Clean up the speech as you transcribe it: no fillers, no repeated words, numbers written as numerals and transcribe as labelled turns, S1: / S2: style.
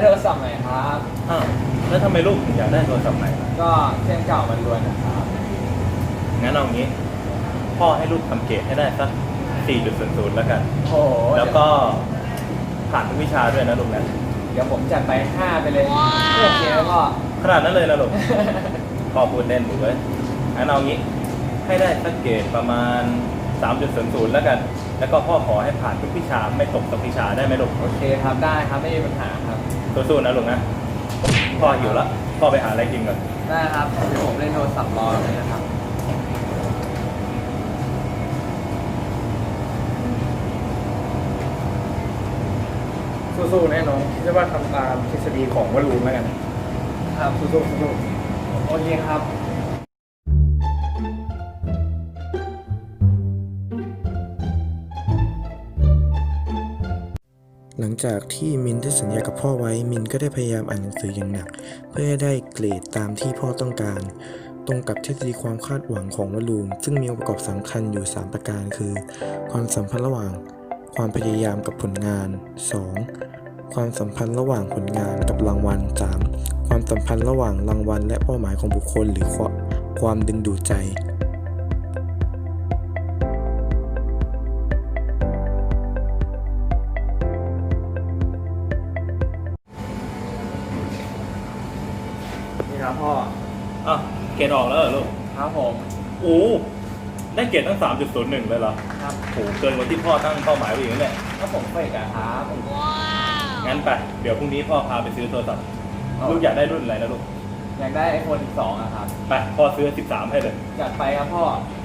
S1: โทรศัพท์ใหม่ครับ
S2: อ้าวแล้วทำไมลูกถึงอยากได้โทรศัพท์ใหม่ล่ะ
S1: ก็เครื่องเก่ามันรวนนะครับ
S2: งั้นเอางี้ พ่อให้ลูกทำเกรดให้ได้สัก 4.00 แล้วกัน
S1: โอ้โห
S2: แล้วก็ผ่านทุกวิชาด้วยนะลูกนะ
S1: เดี๋ยวผมจัดไป5ไปเลยโอเคแล้วก็
S2: ขนาดนั้นเลยนะลูก พ่อพูดเล่นลูกเว้ยงั้นเอางี้ ให้ได้สักเกรดประมาณ 3.00 แล้วกัน แล้วก็พ่อขอให้ผ่านทุกวิชาไม่ตกสักวิชาได้ไหมลูก
S1: โอเคครับได้ครับไม่มีปัญหาครับ
S2: สู้ๆนะลูกนะ พ่อหิวละพ่อไปหาอะไรกินก่อน
S1: ได้ครับเดี๋ยวผมเล่นโทรศัพท์รอเลยนะครับ
S3: สู้ๆแน่น้องคิดว่าทำตามทฤษฎีของวลูนแล้วกัน
S1: ครับสู้ๆสู้ๆโอเคครับ
S4: หลังจากที่มินได้สัญญากับพ่อไว้มินก็ได้พยายามอ่านหนังสืออย่างหนัก เพื่อให้ได้เกรดตามที่พ่อต้องการ ตรงกับทฤษฎีความคาดหวังของวลูนซึ่งมีองค์ประกอบสำคัญอยู่ 3 ประการคือ ความสัมพันธ์ระหว่างความพยายามกับผลงาน 2. ความสัมพันธ์ระหว่างผลงานกับรางวัล 3. ความสัมพันธ์ระหว่างรางวัลและเป้าหมายของบุคคลหรือความดึงดูดใจ
S1: นี่ครับพ่อ
S2: อ้าวเกรดออกแล้วเหรอลูก
S1: ครับผม
S2: โอ้ได้เกรดตั้ง 3.01 เลยเหรอ
S1: ครับ
S2: โหเกินกว่าที่พ่อตั้งเป้าหมายไว้อีกนั่นแหละ
S1: ก็ผมเฟกอะครับ
S2: งั้นไป เดี๋ยวพรุ่งนี้พ่อพาไปซื้อโทรศัพท์ ลูกอยากได้รุ่นอะไรนะลูก
S1: อยากได้ iPhone 12อะครับ
S2: ไป พ่อซื้อ 13 ให้เลย
S1: จัดไปครับพ่อ